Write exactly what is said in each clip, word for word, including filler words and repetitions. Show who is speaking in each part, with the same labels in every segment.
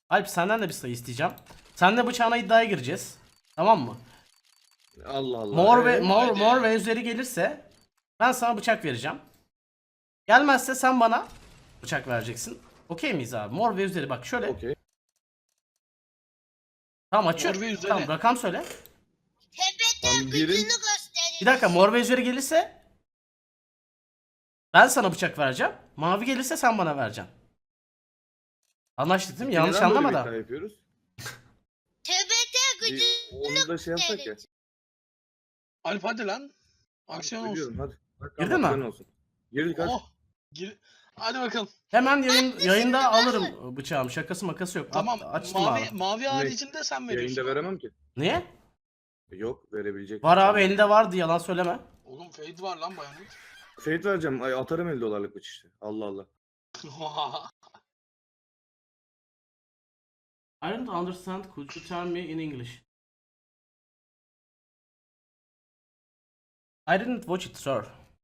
Speaker 1: Alp senden de bir sayı isteyeceğim. Seninle bıçağına iddiaya gireceğiz. Tamam mı?
Speaker 2: Allah Allah.
Speaker 1: Mor ve
Speaker 2: Ee?
Speaker 1: mor
Speaker 3: Hadi.
Speaker 1: mor ve üzeri gelirse ben sana bıçak vereceğim. Gelmezse sen bana bıçak vereceksin. Okey miyiz abi? Mor ve üzeri bak şöyle.
Speaker 2: Okey.
Speaker 1: Tamam açıyorum.
Speaker 3: Mor ve üzeri.
Speaker 1: Tamam rakam söyle.
Speaker 2: Tam
Speaker 4: Tepede
Speaker 2: birin
Speaker 4: gücünü gösterir.
Speaker 1: Bir dakika mor ve üzeri gelirse ben sana bıçak vereceğim. Mavi gelirse sen bana vereceksin. Anlaştık değil mi? Yanlış
Speaker 2: neden böyle bir
Speaker 1: anlama da.
Speaker 2: hikaye yapıyoruz?
Speaker 4: Tepede
Speaker 2: Bir,
Speaker 4: gücünü
Speaker 2: onu da şey yapsak ya.
Speaker 4: gösterir.
Speaker 3: Alp hadi lan. Aksiyon olsun.
Speaker 2: Biliyorum hadi. Bak,
Speaker 1: Girdin mi?
Speaker 2: aksiyon olsun. Girdik hadi.
Speaker 3: Oh. Gir. Hadi bakalım.
Speaker 1: Hemen yayın, yayında alırım bıçağımı. Şakası makası yok. At-
Speaker 3: Tamam.
Speaker 1: açtım
Speaker 3: mavi
Speaker 1: abi.
Speaker 3: mavi haricinde sen veriyorsun.
Speaker 2: Yayında veremem ki.
Speaker 1: Niye?
Speaker 2: Yok verebilecek.
Speaker 1: Var abi elinde vardı yalan söyleme.
Speaker 3: Oğlum fade var lan bayanın.
Speaker 2: Fate vereceğim. Ay, atarım elli dolarlık bıç işte. Allah Allah.
Speaker 1: I don't understand. Could you tell me in English? I didn't watch it, sir.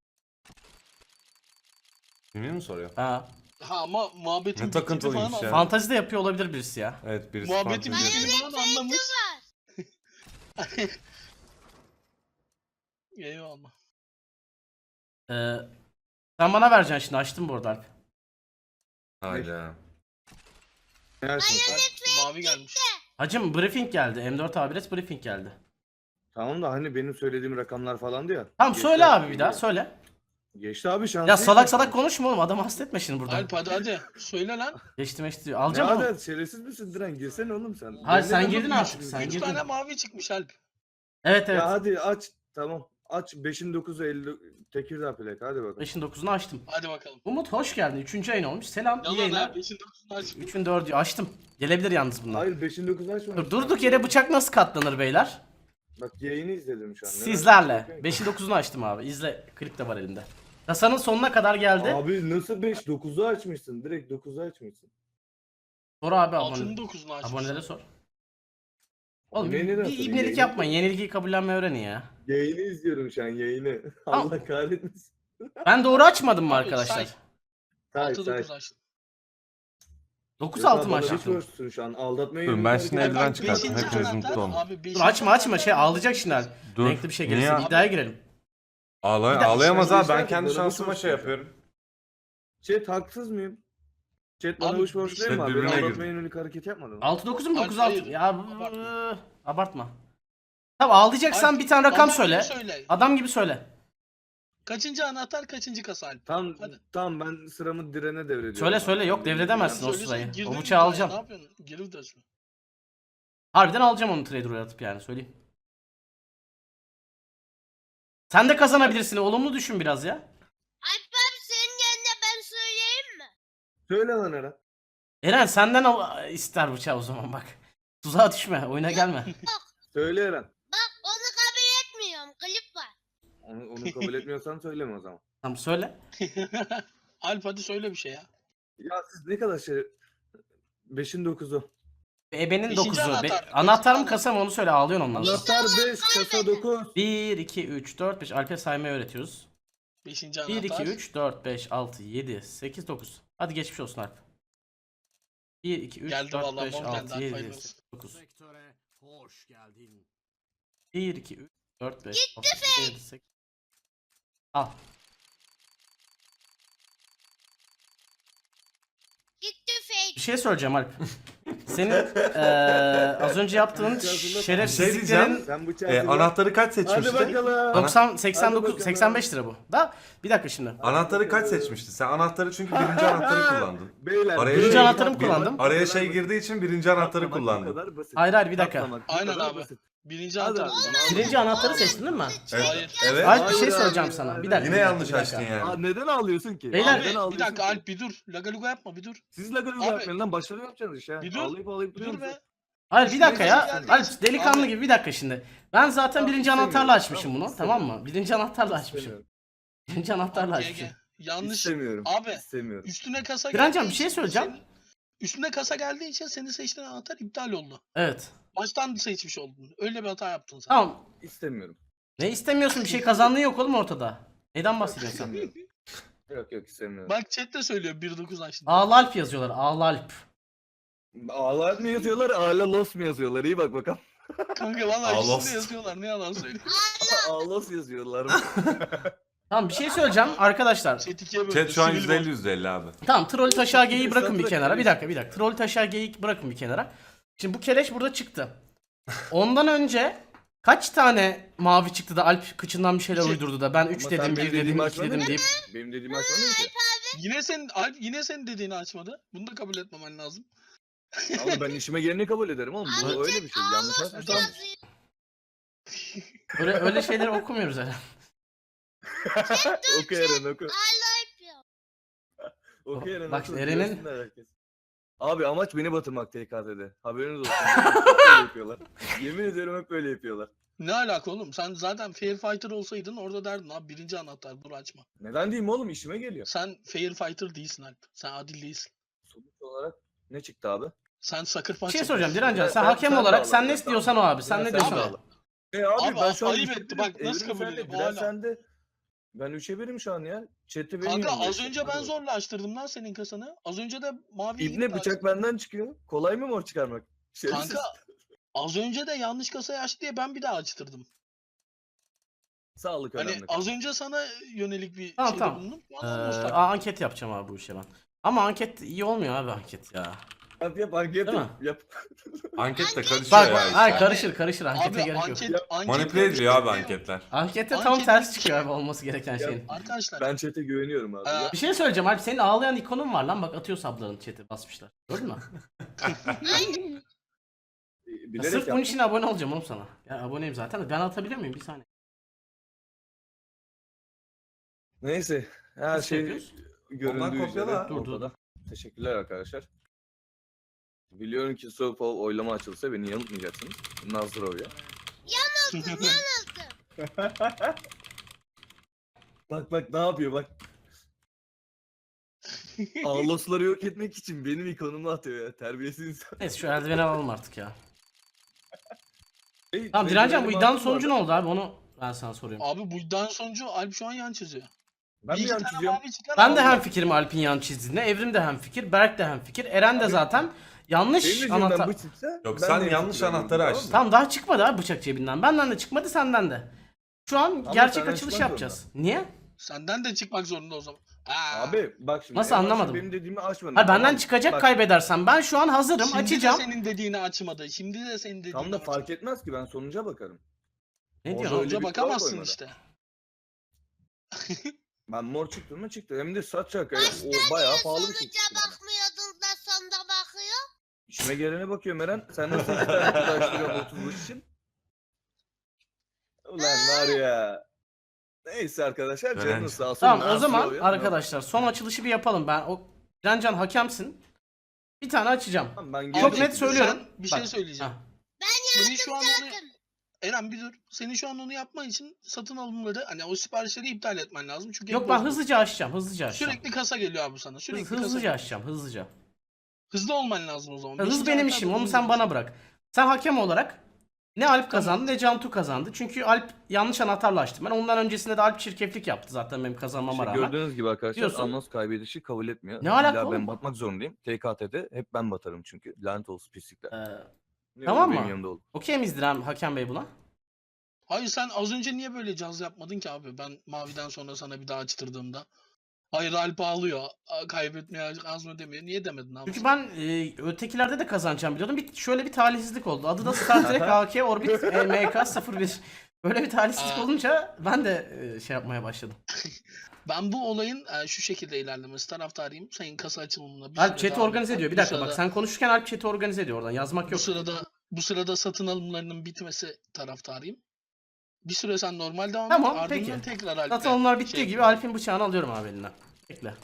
Speaker 5: Yemin mi soruyor?
Speaker 1: Ha.
Speaker 3: ha ama muhabbetin
Speaker 5: Ne takıntılıymış
Speaker 3: bittiğini
Speaker 5: ya.
Speaker 3: falan
Speaker 1: Fantezi de yapıyor olabilir birisi ya.
Speaker 5: Evet birisi
Speaker 3: Muhabbetin
Speaker 5: fantezi
Speaker 3: bittiğini
Speaker 5: yapıyor.
Speaker 3: falan anlamış.
Speaker 4: var.
Speaker 3: Eyvallah.
Speaker 1: Ee, sen bana vereceksin şimdi. Açtım bu arada Alp.
Speaker 5: Hayda.
Speaker 2: Yersin.
Speaker 3: Alp, mavi gelmiş.
Speaker 1: Hacım briefing geldi. M dört Abiret briefing geldi.
Speaker 2: Tamam da hani benim söylediğim rakamlar falandı ya.
Speaker 1: Tamam
Speaker 2: Geçti
Speaker 1: söyle
Speaker 2: abi,
Speaker 1: abi bir daha söyle.
Speaker 2: Geçti abi şans.
Speaker 1: Ya
Speaker 2: değil
Speaker 1: salak
Speaker 2: mi?
Speaker 1: salak konuşma oğlum. Adamı hasta etme şimdi burada.
Speaker 3: Alp hadi hadi. Söyle lan.
Speaker 1: Geçti meşti diyor.
Speaker 2: Ne
Speaker 1: Alacağım onu.
Speaker 2: adet şerefsiz misin Diren? Girsene oğlum sen.
Speaker 1: Hayır,
Speaker 2: Ben
Speaker 1: sen
Speaker 2: neden
Speaker 1: girdin
Speaker 2: bakıyorsun
Speaker 1: artık,
Speaker 2: şimdi?
Speaker 1: sen
Speaker 3: Üç
Speaker 1: girdin.
Speaker 3: tane mavi çıkmış Alp.
Speaker 1: Evet evet.
Speaker 2: Ya hadi aç. Tamam. Aç beşin dokuzu elli Tekirdağ plak. Hadi bakalım.
Speaker 1: beşin dokuzunu açtım.
Speaker 3: Hadi bakalım.
Speaker 1: Umut hoş geldin. Üçüncü ayın olmuş. Selam. iyi
Speaker 3: Yalan
Speaker 1: yayınlar.
Speaker 3: ha. Beşin dokuzunu aç.
Speaker 1: üçün dördü açtım. Gelebilir yalnız bunlar.
Speaker 2: Hayır beşin dokuzu açma.
Speaker 1: Dur, durduk yere bıçak nasıl katlanır beyler?
Speaker 2: Bak yayını izledim şu an. Neden?
Speaker 1: Sizlerle. beşin dokuzunu açtım abi. İzle. Klip de var elimde. Kasanın sonuna kadar geldi.
Speaker 2: Abi nasıl beş dokuzu açmışsın? Direkt dokuzu açmışsın.
Speaker 1: Sor abi
Speaker 3: Altının
Speaker 1: abone.
Speaker 3: dokuzunu aç.
Speaker 1: Abonelere sor. Oğlum
Speaker 2: Aboneye
Speaker 1: bir,
Speaker 2: neden
Speaker 1: bir
Speaker 2: sorayım?
Speaker 1: ibnelik
Speaker 2: Yayını-
Speaker 1: yapmayın. Yenilgiyi kabullenmeyi öğrenin ya.
Speaker 2: Yayını izliyorum şu an yayını.
Speaker 1: Tamam.
Speaker 2: Allah kahretmesin.
Speaker 1: Ben doğru açmadım mı
Speaker 3: Abi,
Speaker 1: arkadaşlar?
Speaker 3: say.
Speaker 2: Say
Speaker 3: Altı
Speaker 2: say.
Speaker 3: dokuz açtın.
Speaker 1: dokuz altı mı
Speaker 2: Bana
Speaker 1: açtım?
Speaker 2: düşüyorsun şu an. Aldatmaya
Speaker 5: Dur,
Speaker 2: yönelik
Speaker 5: ben
Speaker 2: hareket
Speaker 5: şimdi eldiven
Speaker 2: yapmak
Speaker 5: çıkarttım.
Speaker 2: için-
Speaker 3: beşinci
Speaker 5: Hepiniz
Speaker 3: anahtar,
Speaker 5: mutlu olun.
Speaker 3: abi,
Speaker 1: Dur
Speaker 3: beşinci
Speaker 1: açma açma
Speaker 3: anahtar
Speaker 1: şey
Speaker 3: var.
Speaker 1: ağlayacak şimdi. Alp.
Speaker 5: Dur.
Speaker 1: Renkli bir şey
Speaker 5: Niye
Speaker 1: gelirse
Speaker 5: ya?
Speaker 1: iddiaya girelim.
Speaker 5: Ağlay
Speaker 1: Bir dakika,
Speaker 5: ağlayamaz
Speaker 2: sen
Speaker 5: abi. Ben
Speaker 2: geçer
Speaker 5: kendi
Speaker 2: misin? Bana
Speaker 5: şansıma
Speaker 2: bir
Speaker 5: şey
Speaker 2: soru
Speaker 5: yapıyorum.
Speaker 2: Chat haksız mıyım? Chat bana
Speaker 3: Abi,
Speaker 2: uç borç değil mi
Speaker 5: chat
Speaker 2: abi?
Speaker 5: birbirine
Speaker 2: Ben
Speaker 5: girdi.
Speaker 2: aldatmaya yönelik hareket yapmadım.
Speaker 1: altı dokuz mu
Speaker 3: Alp,
Speaker 1: dokuz altı?
Speaker 3: hayır.
Speaker 1: Ya
Speaker 3: Abartma.
Speaker 1: bu- abartma. Tamam ağlayacaksan
Speaker 3: Alp,
Speaker 1: bir tane rakam
Speaker 3: adam
Speaker 1: söyle.
Speaker 3: gibi söyle.
Speaker 1: Adam gibi söyle.
Speaker 3: Kaçıncı anahtar kaçıncı kasa Alp?
Speaker 2: Tamam
Speaker 3: Hadi.
Speaker 2: tamam ben sıramı direne devrediyorum.
Speaker 1: Söyle
Speaker 2: abi.
Speaker 1: söyle yok devredemezsin o
Speaker 3: Söyle,
Speaker 1: sırayı.
Speaker 3: girdin
Speaker 1: O
Speaker 3: mi
Speaker 1: bıçağı
Speaker 3: buraya?
Speaker 1: alacağım.
Speaker 3: Ne yapıyorsun? Geri vites mi?
Speaker 1: Harbiden alacağım onu trader oynatıp yani söyleyeyim. Sen de kazanabilirsin. Olumlu düşün biraz ya.
Speaker 4: Alp abi senin yanında ben söyleyeyim mi?
Speaker 2: Söyle lan Eren.
Speaker 1: Eren senden al ister bıçağı o zaman bak. Tuzağa düşme. Oyuna gelme.
Speaker 2: Söyle Eren.
Speaker 4: Bak onu kabul etmiyorum. Klip var.
Speaker 2: Onu, onu kabul etmiyorsan söyleme o zaman.
Speaker 1: Tamam söyle.
Speaker 3: Alp hadi söyle bir şey ya.
Speaker 2: Ya siz ne kadar şey... Beşin dokuzu.
Speaker 1: Ebenin
Speaker 3: Beşinci
Speaker 1: dokuzu.
Speaker 3: anahtar.
Speaker 1: Be-
Speaker 3: Beşinci
Speaker 1: anahtar mı
Speaker 3: anahtar.
Speaker 1: kasa mı onu söyle ağlıyorsun ondan sonra.
Speaker 2: Anahtar beş, kasa dokuz.
Speaker 1: bir, iki, üç, dört, beş. Alp'e saymayı öğretiyoruz.
Speaker 3: Beşinci anahtar.
Speaker 1: bir, iki, üç, dört, beş, altı, yedi, sekiz, dokuz. Hadi geçmiş olsun Alp. bir, iki, üç,
Speaker 3: Geldi
Speaker 1: dört,
Speaker 3: vallahi,
Speaker 1: beş,
Speaker 3: mor geldi,
Speaker 1: altı,
Speaker 3: Alp,
Speaker 1: yedi,
Speaker 3: hayırlı
Speaker 1: sekiz,
Speaker 3: olsun.
Speaker 1: dokuz. Hoş geldin. bir, iki, üç, dört, beş, altı, yedi, sekiz. Al.
Speaker 4: Gitti fake.
Speaker 1: Bir şey söyleyeceğim Alp. Senin eee az önce yaptığın
Speaker 5: Bir şey
Speaker 1: şerefsizliklerin
Speaker 5: diyeceğim.
Speaker 2: Sen bıçağı
Speaker 5: Ee,
Speaker 2: hazırla.
Speaker 5: anahtarı kaç
Speaker 2: Hadi
Speaker 5: seçmişti?
Speaker 2: bakalım.
Speaker 1: doksan, seksen
Speaker 2: Hadi
Speaker 1: dokuz,
Speaker 2: bakalım.
Speaker 1: seksen beş lira bu. Da bir dakika şimdi.
Speaker 5: Anahtarı kaç seçmişti? Sen anahtarı çünkü birinci anahtarı kullandın.
Speaker 2: Beyler.
Speaker 5: Araya
Speaker 1: Birinci
Speaker 5: şey-
Speaker 1: anahtarımı kullandım.
Speaker 5: Araya şey girdiği için birinci anahtarı
Speaker 2: Katlamak bu
Speaker 5: kullandın.
Speaker 2: kadar basit.
Speaker 1: Hayır hayır bir dakika.
Speaker 2: Katlamak bu
Speaker 3: Aynen
Speaker 2: kadar
Speaker 3: abi.
Speaker 2: basit.
Speaker 3: Birinci
Speaker 2: Hadi
Speaker 3: anahtar.
Speaker 2: abi.
Speaker 1: Birinci anahtarı seçtin değil mi?
Speaker 5: Evet.
Speaker 3: Hayır.
Speaker 5: Evet.
Speaker 1: Alp bir şey
Speaker 2: Hayır
Speaker 1: söyleyeceğim
Speaker 2: abi,
Speaker 1: sana.
Speaker 2: hayır.
Speaker 1: Bir dakika.
Speaker 5: Yine
Speaker 1: bir dakika,
Speaker 5: yanlış
Speaker 1: bir dakika.
Speaker 5: açtın
Speaker 2: Aa,
Speaker 5: yani.
Speaker 2: neden ağlıyorsun ki?
Speaker 1: Beyler-
Speaker 3: Abi
Speaker 2: Neden
Speaker 3: bir
Speaker 2: ağlıyorsun
Speaker 3: dakika
Speaker 2: ki?
Speaker 3: Alp bir dur. Lagaluga yapma bir dur.
Speaker 2: Siz lagaluga
Speaker 3: Abi-
Speaker 2: yapmayın lan başarı yapacaksınız iş ya.
Speaker 3: Bir dur.
Speaker 2: Ağlayıp ağlayıp
Speaker 3: Bir
Speaker 2: duruyor
Speaker 3: dur be.
Speaker 2: musun?
Speaker 1: Hayır bir dakika ya.
Speaker 3: Geldi.
Speaker 1: Alp delikanlı
Speaker 3: Abi-
Speaker 1: gibi bir dakika şimdi. Ben zaten
Speaker 2: Tamam,
Speaker 1: birinci
Speaker 2: istemiyorum.
Speaker 1: anahtarla açmışım
Speaker 2: Tamam,
Speaker 1: bunu. Tamam
Speaker 2: istemiyorum.
Speaker 1: mı? Birinci anahtarla açmışım.
Speaker 2: İstemiyorum.
Speaker 1: Birinci anahtarla
Speaker 3: G G.
Speaker 1: açmışım.
Speaker 3: Yanlış.
Speaker 2: İstemiyorum.
Speaker 3: Abi
Speaker 2: İstemiyorum.
Speaker 3: üstüne kasa
Speaker 1: Direncan,
Speaker 3: geldiği
Speaker 1: bir şey
Speaker 3: için
Speaker 1: söyleyeceğim.
Speaker 3: senin- Üstüne kasa geldiği için senin seçtiğin anahtar iptal oldu.
Speaker 1: Evet.
Speaker 3: Baştan seçmiş oldun. Öyle bir hata yaptın sen.
Speaker 1: Tamam.
Speaker 2: İstemiyorum.
Speaker 1: Ne istemiyorsun? Bir şey kazandığın yok oğlum ortada. Neden bahsediyorsun sen?
Speaker 2: İstemiyorum. Yok yok istemiyorum.
Speaker 3: Bak chat de söylüyor bir dokuz açtın.
Speaker 1: Ağla Alp yazıyorlar. Ağla Alp.
Speaker 2: Ağlar mı yazıyorlar, ağla los mu yazıyorlar? İyi bak bakalım.
Speaker 3: Kanka valla
Speaker 5: Allah
Speaker 3: ikisini de yazıyorlar ne yalan söyleyeyim.
Speaker 2: Ağlos yazıyorlar.
Speaker 1: Tamam bir şey söyleyeceğim arkadaşlar.
Speaker 3: Chat ikiye böldü.
Speaker 5: Chat şu an
Speaker 3: sivil
Speaker 5: yüzde elli
Speaker 3: var.
Speaker 5: yüzde elli abi.
Speaker 1: Tamam troll taşağı geyiği bırakın bir
Speaker 2: Satranç
Speaker 1: kenara. Bir
Speaker 2: keleş.
Speaker 1: dakika bir dakika. Troll taşağı geyiği bırakın bir kenara. Şimdi bu keleş burada çıktı. Ondan önce kaç tane mavi çıktı da Alp kıçından bir şeyler
Speaker 3: İki.
Speaker 1: uydurdu da ben üç
Speaker 2: Ama
Speaker 1: dedim,
Speaker 2: sen
Speaker 1: bir
Speaker 2: benim
Speaker 1: dedim,
Speaker 2: dediğimi
Speaker 1: iki dedim
Speaker 2: açmadın
Speaker 1: deyip.
Speaker 2: Benim dediğimi açmadın ki.
Speaker 3: Yine sen Alp yine senin dediğini açmadı. Bunu da kabul etmemen lazım.
Speaker 2: Ama ben işime geleni kabul ederim oğlum. Bu
Speaker 4: Abi
Speaker 2: öyle bir şey. Yanlış
Speaker 4: Ağlos
Speaker 2: açmışsın.
Speaker 4: yazıyor.
Speaker 1: Öyle, öyle şeyleri okumuyoruz herhalde.
Speaker 2: Oku Eren oku.
Speaker 4: Ağla yapıyor.
Speaker 2: Oku Eren
Speaker 1: Bak
Speaker 2: oku.
Speaker 1: Eren'in-
Speaker 2: Görsünler herkes. Abi amaç beni batırmak T K T'de. Haberiniz olsun. Hep böyle yapıyorlar. Yemin ediyorum hep böyle yapıyorlar.
Speaker 3: Ne alaka oğlum? Sen zaten Fair Fighter olsaydın orada derdin abi birinci anahtar dur açma.
Speaker 2: Neden diyeyim oğlum, işime geliyor.
Speaker 3: Sen Fair Fighter değilsin Alp. Sen adil değilsin.
Speaker 2: Sonuç olarak ne çıktı abi?
Speaker 3: Sen Sucker
Speaker 1: Bir
Speaker 3: Punch
Speaker 1: şey soracağım
Speaker 3: yapıyorsun.
Speaker 1: Direncan, sen
Speaker 2: Ben-
Speaker 1: hakem
Speaker 2: sen de
Speaker 1: olarak
Speaker 2: ağla,
Speaker 1: sen
Speaker 2: ben
Speaker 1: ne
Speaker 2: de
Speaker 1: istiyorsan o
Speaker 2: ağla.
Speaker 1: abi. Sen
Speaker 2: Ya
Speaker 1: ne
Speaker 2: sen
Speaker 1: diyorsan
Speaker 2: de
Speaker 1: o.
Speaker 2: ağla. E abi,
Speaker 3: Abi,
Speaker 2: ben şu an
Speaker 3: ayıp
Speaker 2: üçe
Speaker 3: etti,
Speaker 2: birim.
Speaker 3: bak nasıl
Speaker 2: Evrim
Speaker 3: kabul
Speaker 2: sende,
Speaker 3: ediyor?
Speaker 2: Bilal
Speaker 3: Hala.
Speaker 2: sende. Ben üçe birim şu an ya. Chat'i benim
Speaker 3: Kanka
Speaker 2: yanımda
Speaker 3: az
Speaker 2: işte.
Speaker 3: önce
Speaker 2: Hadi
Speaker 3: ben
Speaker 2: bakalım.
Speaker 3: zorla açtırdım lan senin kasanı. Az önce de mavi
Speaker 2: İbne bıçak benden çıkıyor. Kolay mı mor çıkarmak? Şerefsiz.
Speaker 3: Kanka az önce de yanlış kasayı açtı diye ben bir daha açtırdım.
Speaker 2: Sağlık
Speaker 3: Hani
Speaker 2: önemli.
Speaker 3: az önce sana yönelik bir
Speaker 1: Tamam,
Speaker 3: şeyde
Speaker 1: tamam.
Speaker 3: bulundum.
Speaker 1: Ee,
Speaker 3: Bana nostalji.
Speaker 1: aa, anket yapacağım abi bu işe ben. Ama anket iyi olmuyor abi anket ya.
Speaker 2: Yap yap anket
Speaker 1: Değil
Speaker 2: yap. yap.
Speaker 5: Anket de karışıyor
Speaker 1: Bak
Speaker 5: ya.
Speaker 1: bak
Speaker 5: işte.
Speaker 1: ay karışır karışır ankete
Speaker 3: Abi
Speaker 1: gerek yok.
Speaker 3: anket, anket
Speaker 5: Manipüle ediliyor abi anketler.
Speaker 1: Ankette tam
Speaker 3: Anket-
Speaker 1: tersi çıkıyor abi olması gereken şeyin.
Speaker 3: Arkadaşlar
Speaker 2: Ben chat'e güveniyorum abi.
Speaker 3: Aa,
Speaker 2: Yap.
Speaker 1: Bir şey söyleyeceğim Alp, senin ağlayan ikonun var lan, bak atıyor sabların chat'e basmışlar. Gördün mü? Ya
Speaker 2: Bilerek
Speaker 1: sırf bunun
Speaker 2: yaptım.
Speaker 1: için abone olacağım oğlum sana. Ya aboneyim zaten de ben atabiliyor muyum bir saniye?
Speaker 2: Neyse. Her
Speaker 1: Nasıl
Speaker 2: şey
Speaker 1: yapıyoruz?
Speaker 2: göründüğü
Speaker 5: Ondan
Speaker 2: üzere
Speaker 5: kopyala.
Speaker 1: Dur, dur,
Speaker 2: ortada. Teşekkürler arkadaşlar. Biliyorum ki soğuk oylama açılsa beni yanıltmayacaksınız. Nazırov ya.
Speaker 4: Yanıldım yanıldım.
Speaker 2: Bak bak ne yapıyor bak. Ağlosları yok etmek için benim ikonumu atıyor ya. Terbiyesiz insan.
Speaker 1: Neyse şu eldiveni alalım artık ya.
Speaker 2: Hey,
Speaker 1: Tamam
Speaker 2: benim
Speaker 1: Direncan, bu
Speaker 2: benim
Speaker 1: iddianın
Speaker 2: aklım
Speaker 1: sonucu ne
Speaker 2: vardı.
Speaker 1: oldu abi, onu ben sana soruyorum.
Speaker 3: abi bu iddianın sonucu Alp şu an yan çiziyor.
Speaker 2: Ben
Speaker 3: Bir
Speaker 2: mi
Speaker 3: iki
Speaker 2: yan
Speaker 3: tane
Speaker 2: çiziyorum?
Speaker 3: mavi çıkan
Speaker 1: Ben de
Speaker 3: aldı.
Speaker 1: hem fikrim Alp'in yan çizdiğine, Evrim de hem fikir, Berk de hem fikir, Eren de zaten yanlış
Speaker 2: Benim yüzümden
Speaker 1: anahtar.
Speaker 2: bu çıksa,
Speaker 5: Yok,
Speaker 2: ben
Speaker 5: sen
Speaker 2: de
Speaker 5: yanlış
Speaker 2: fikrim
Speaker 5: anahtarı
Speaker 2: tamam mı?
Speaker 5: açtın.
Speaker 1: Tamam daha çıkmadı abi bıçak cebinden. Benden de çıkmadı, senden de. Şu an
Speaker 2: Ama
Speaker 1: gerçek
Speaker 2: senden
Speaker 1: açılış
Speaker 2: çıkmak
Speaker 1: yapacağız. Niye?
Speaker 3: Senden de çıkmak zorunda o zaman. Aa.
Speaker 2: Abi bak şimdi.
Speaker 1: Nasıl
Speaker 2: en başta
Speaker 1: anlamadım?
Speaker 2: Benim dediğimi açmadın.
Speaker 1: Hayır benden
Speaker 2: Tamam,
Speaker 1: çıkacak
Speaker 2: bak,
Speaker 1: kaybedersem. Ben şu an hazırım,
Speaker 3: Şimdi
Speaker 1: açacağım.
Speaker 3: de senin dediğini açmadı. Şimdi de senin dediğini
Speaker 2: Tam da
Speaker 3: açmadı.
Speaker 2: fark etmez ki, ben sonuca bakarım.
Speaker 1: Ne
Speaker 2: Orada
Speaker 1: diyorsun?
Speaker 2: öyle
Speaker 3: Sonuca
Speaker 2: bir kural
Speaker 3: bakamazsın
Speaker 2: koymadı.
Speaker 3: işte.
Speaker 2: Ben mor çıktı mı çıktı. Hem de saç şaka. O bayağı pahalı bir şey
Speaker 4: Sonuca
Speaker 2: çıktı bana.
Speaker 4: bakmıyordun da sonda bakıyor.
Speaker 2: İşime gelene bakıyorum Eren. Sen de sekiz tane kutu açtırıyorsun otuz beş için. Ulan var ya. Neyse arkadaşlar.
Speaker 5: Eren.
Speaker 2: Canınız sağ olsun.
Speaker 1: Tamam o
Speaker 2: Nasıl
Speaker 1: zaman
Speaker 2: oluyor?
Speaker 1: arkadaşlar son açılışı bir yapalım. Ben o Direncan hakemsin. Bir tane açacağım.
Speaker 2: Tamam, ben
Speaker 1: Çok
Speaker 2: geldim.
Speaker 3: Abi,
Speaker 1: net söylüyorum.
Speaker 3: sen bir
Speaker 1: Bak,
Speaker 3: şey söyleyeceğim.
Speaker 1: ha.
Speaker 3: Senin şu an onu...
Speaker 4: Zaten.
Speaker 3: Eren bir dur. Senin şu an onu yapman için satın alımları hani o siparişleri iptal etmen lazım. Çünkü
Speaker 1: Yok
Speaker 3: hep
Speaker 1: ben
Speaker 3: bozuldu.
Speaker 1: hızlıca açacağım. Hızlıca açacağım.
Speaker 3: Sürekli kasa geliyor abi sana. Sürekli
Speaker 1: Hız-
Speaker 3: kasa
Speaker 1: hızlıca
Speaker 3: geliyor.
Speaker 1: açacağım. Hızlıca.
Speaker 3: Hızlı olman lazım o zaman.
Speaker 1: Hız
Speaker 3: Beşinci
Speaker 1: benim
Speaker 3: anahtar
Speaker 1: işim.
Speaker 3: da
Speaker 1: Onu
Speaker 3: bunu
Speaker 1: sen bana
Speaker 3: diyeceksin.
Speaker 1: bırak. Sen hakem olarak ne Alp kazandı ne Cantu kazandı. Çünkü Alp yanlış anahtarla açtım. Ben ondan öncesinde de Alp çirkeflik yaptı zaten benim kazanmama
Speaker 2: İşte
Speaker 1: rağmen.
Speaker 2: gördüğünüz gibi arkadaşlar
Speaker 1: Diyorsun.
Speaker 2: Anons kaybedişi kabul etmiyor.
Speaker 1: Ne alaka
Speaker 2: İlla
Speaker 1: oğlum?
Speaker 2: ben batmak zorundayım. T K T'de hep ben batarım çünkü. Lanet olsun pislikler.
Speaker 1: Ee,
Speaker 2: Ne
Speaker 1: tamam
Speaker 2: olur
Speaker 1: mı?
Speaker 2: Benim yanımda ol.
Speaker 1: Okey miyiz Diren hakem bey buna?
Speaker 3: Hayır sen az önce niye böyle caz yapmadın ki abi? Ben maviden sonra sana bir daha açtırdığımda. Hayır Alp ağlıyor. a- Kaybetmeye az mı demiyor. Niye demedin abi?
Speaker 1: Çünkü ben e, ötekilerde de kazanacağım biliyordum. Bir, şöyle bir talihsizlik oldu. Adı da Star Trek A K Orbit e, M K sıfır bir. Böyle bir talihsizlik
Speaker 3: Aa.
Speaker 1: olunca ben de e, şey yapmaya başladım.
Speaker 3: Ben bu olayın e, şu şekilde ilerlemesi taraftarıyım. Senin kasa açılımına bir
Speaker 1: Alp
Speaker 3: süre
Speaker 1: chat'i
Speaker 3: devam
Speaker 1: organize
Speaker 3: etmen.
Speaker 1: ediyor. Bir
Speaker 3: Bu
Speaker 1: dakika bak
Speaker 3: sırada-
Speaker 1: sen konuşurken Alp chat'i organize ediyor oradan. Yazmak
Speaker 3: Bu
Speaker 1: yok.
Speaker 3: sırada bu sırada satın alımlarının bitmesi taraftarıyım. Bir süre sen normal devam
Speaker 1: Tamam,
Speaker 3: et. Ardından
Speaker 1: peki.
Speaker 3: tekrar Alp'le
Speaker 1: Zaten onlar bittiği
Speaker 3: şey
Speaker 1: gibi
Speaker 3: yapalım.
Speaker 1: Alp'in bıçağını alıyorum abi elinden. Bekle.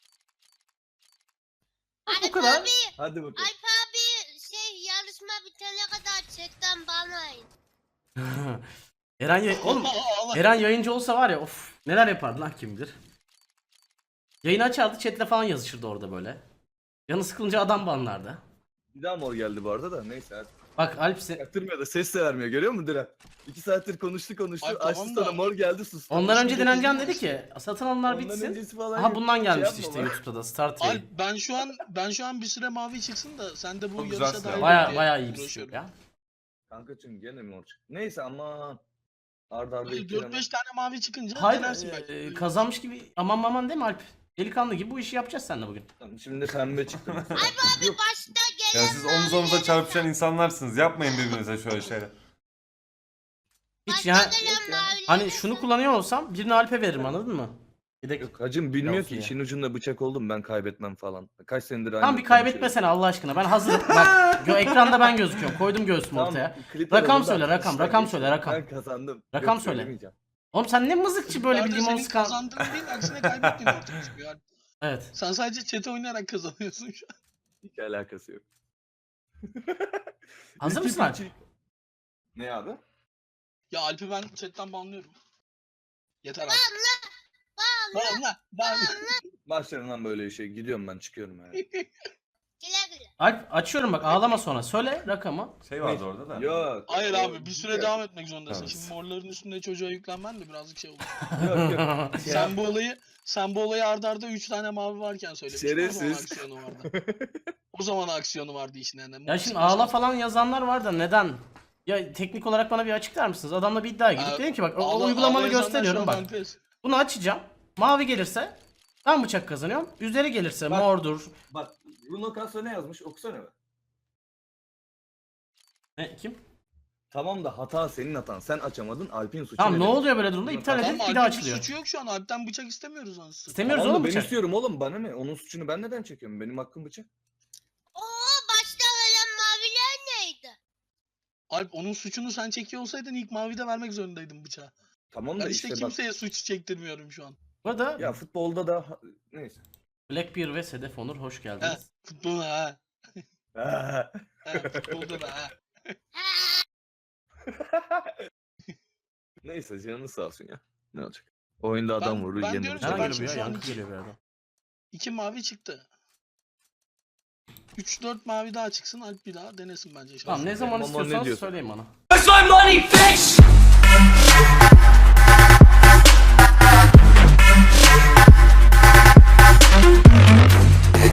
Speaker 1: Bu
Speaker 4: Alp
Speaker 1: kadar.
Speaker 4: abi,
Speaker 2: Hadi bakalım.
Speaker 4: Alp abi şey yarışma bitene kadar chatten bana in.
Speaker 1: Eren yay- oğlum
Speaker 3: Allah.
Speaker 1: Eren yayıncı olsa var ya of neler yapardı lan kim bilir. Yayını açardı chatle falan yazışırdı orada böyle. Canı sıkılınca adam banlardı.
Speaker 2: Bir daha mor geldi bu arada da neyse hadi.
Speaker 1: Bak Alp se-
Speaker 2: Yaktırmıyor da ses de vermiyor görüyor musun Diren? İki saattir konuştu konuştu.
Speaker 3: Ay,
Speaker 2: Açtı
Speaker 3: tamam
Speaker 2: sana
Speaker 3: da-
Speaker 2: mor geldi sustu.
Speaker 1: ondan önce
Speaker 2: Konuşunca
Speaker 1: Direncan
Speaker 2: kızdı.
Speaker 1: dedi ki satın alımlar
Speaker 2: Ondan
Speaker 1: bitsin.
Speaker 2: öncesi falan
Speaker 1: Aha
Speaker 2: yok.
Speaker 1: bundan
Speaker 2: Şey
Speaker 1: gelmişti
Speaker 2: yapma
Speaker 1: işte
Speaker 2: bak.
Speaker 1: YouTube'da da start
Speaker 3: Alp
Speaker 1: yayın.
Speaker 3: ben şu an ben şu an bir süre mavi çıksın da sen de bu
Speaker 5: Çok güzel
Speaker 3: yarışa
Speaker 5: silah.
Speaker 3: dahil
Speaker 1: Baya
Speaker 3: ol
Speaker 1: baya
Speaker 3: diye
Speaker 1: iyi bir
Speaker 3: uğraşıyorum.
Speaker 1: ya.
Speaker 2: Kankacım gene mor çıktı. Neyse aman. Arda arda
Speaker 3: Böyle
Speaker 2: iki
Speaker 3: dört beş tane mavi çıkınca
Speaker 1: Hayır
Speaker 3: denersin
Speaker 1: e,
Speaker 3: belki.
Speaker 1: kazanmış gibi aman maman değil mi Alp? Delikanlı gibi bu işi yapacağız seninle bugün.
Speaker 2: Tamam, şimdi pembe çıktı.
Speaker 4: Abi başta gelen
Speaker 5: Ya siz omuz omuza çarpışan insanlarsınız. Yapmayın birbirinize şöyle şeyler.
Speaker 1: Hiç
Speaker 4: başta
Speaker 1: yani
Speaker 4: gelen mavileri
Speaker 1: hani şunu kullanıyor olsam birini Alp'e veririm anladın mı? Yedek.
Speaker 2: Yok hacım bilmiyor
Speaker 1: Olsun
Speaker 2: ki
Speaker 1: ya.
Speaker 2: işin ucunda bıçak oldum ben kaybetmem falan. Kaç senedir aynı
Speaker 1: Tamam bir
Speaker 2: konuşuyoruz.
Speaker 1: kaybetmesene Allah aşkına. Ben hazırım. Bak gö- ekranda ben gözüküyorum. Koydum göğsümü
Speaker 2: Tamam,
Speaker 1: ortaya.
Speaker 2: klip
Speaker 1: Rakam
Speaker 2: alalım da
Speaker 1: söyle, rakam,
Speaker 2: işten
Speaker 1: rakam
Speaker 2: geçelim.
Speaker 1: söyle, rakam.
Speaker 2: Ben kazandım.
Speaker 1: Rakam
Speaker 2: Yok,
Speaker 1: söyle.
Speaker 2: söylemeyeceğim.
Speaker 1: Oğlum sen ne mızıkçı böyle bir
Speaker 3: Nerede
Speaker 1: limon
Speaker 3: senin
Speaker 1: sıkan.
Speaker 3: kazandığın değil aksine kaybettiğin ortaya çıkıyor. Alp.
Speaker 1: Evet.
Speaker 3: Sen sadece chat'e oynayarak kazanıyorsun şu an.
Speaker 2: Hiç alakası yok.
Speaker 1: Hazır
Speaker 2: İki
Speaker 1: mısın Alp?
Speaker 2: buçuk- Ne abi?
Speaker 3: Ya Alp'i ben chat'ten banlıyorum. Yeter abi.
Speaker 4: Banla.
Speaker 3: Banla. Banla.
Speaker 2: Başlarım lan böyle şey. Gidiyorum ben çıkıyorum yani.
Speaker 4: Güle güle.
Speaker 1: Alp açıyorum bak ağlama sonra. Söyle rakamı.
Speaker 5: Şey vardı orada da.
Speaker 2: Yok.
Speaker 3: Hayır
Speaker 2: o-
Speaker 3: abi bir süre
Speaker 2: yok,
Speaker 3: devam etmek zorundasın.
Speaker 5: Evet.
Speaker 3: Şimdi morların üstünde çocuğa yüklenmen de birazcık şey oldu.
Speaker 2: Yok yok. Şey
Speaker 3: sen bu olayı sen bu olayı arda arda üç tane mavi varken söylemiştin. O zaman
Speaker 2: Şerefsiz.
Speaker 3: aksiyonu vardı. O zaman aksiyonu vardı işin yani.
Speaker 1: Ya şimdi ağla falan yazanlar var da neden? Ya teknik olarak bana bir açıklar mısınız? Adamla bir iddiaya girdik.
Speaker 3: Aa,
Speaker 1: Dedim ki bak o
Speaker 3: Ağla-
Speaker 1: uygulamanı
Speaker 3: ağlayan
Speaker 1: gösteriyorum
Speaker 3: insanlar
Speaker 1: bak.
Speaker 3: şu an Alpes.
Speaker 1: Bunu açacağım. Mavi gelirse ben bıçak kazanıyorum. Üzeri gelirse
Speaker 2: Bak.
Speaker 1: mordur.
Speaker 2: Bak Bruno Castro ne yazmış okusana be.
Speaker 1: Ne kim?
Speaker 2: Tamam da hata senin hatan. Sen açamadın Alp'in suçu.
Speaker 1: Tamam ne
Speaker 2: demek?
Speaker 1: oluyor böyle durumda?
Speaker 2: Bunu
Speaker 1: İptal
Speaker 2: tamam,
Speaker 1: edip
Speaker 3: Tamam
Speaker 1: bir daha
Speaker 3: Alp'in bir
Speaker 1: açılıyor.
Speaker 3: suçu yok şu an. Alp'ten bıçak istemiyoruz anasını.
Speaker 1: İstemiyoruz
Speaker 2: Tamam da
Speaker 1: oğlum
Speaker 2: ben
Speaker 1: bıçak.
Speaker 2: istiyorum oğlum bana ne? Onun suçunu ben neden çekiyorum? Benim hakkım bıçak.
Speaker 4: Oo başta gelen maviler neydi?
Speaker 3: Alp onun suçunu sen çekiyor olsaydın ilk mavide vermek zorundaydın bıçağı.
Speaker 2: Tamam
Speaker 3: Ben
Speaker 2: da
Speaker 3: işte
Speaker 2: işte, bak.
Speaker 3: kimseye suç çektirmiyorum şu an.
Speaker 1: Bu arada
Speaker 2: Ya futbolda da neyse.
Speaker 1: Blackbeard ve Sedef Onur hoş
Speaker 3: He,
Speaker 1: geldiniz.
Speaker 3: futbolda ha.
Speaker 2: Ah.
Speaker 3: He, futbolda da ha.
Speaker 2: Neyse canını sağ olsun ya. Ne olacak? Oyunda adam
Speaker 3: Ben-
Speaker 2: vurur
Speaker 3: ben
Speaker 2: yeni
Speaker 3: diyorum ki
Speaker 1: Nereden
Speaker 3: bak
Speaker 1: geliyor bu
Speaker 3: şimdi
Speaker 1: ya?
Speaker 3: şu an
Speaker 1: Yankı
Speaker 3: iki-
Speaker 1: geliyor bir yerden.
Speaker 3: İki mavi çıktı. üç dört mavi daha çıksın Alp bir daha denesin bence.
Speaker 1: Tamam ne
Speaker 3: şansını.
Speaker 1: zaman
Speaker 2: Mama ne
Speaker 1: istiyorsanız
Speaker 2: diyorsun?
Speaker 1: söyleyin bana.
Speaker 6: Where's my money, bitch?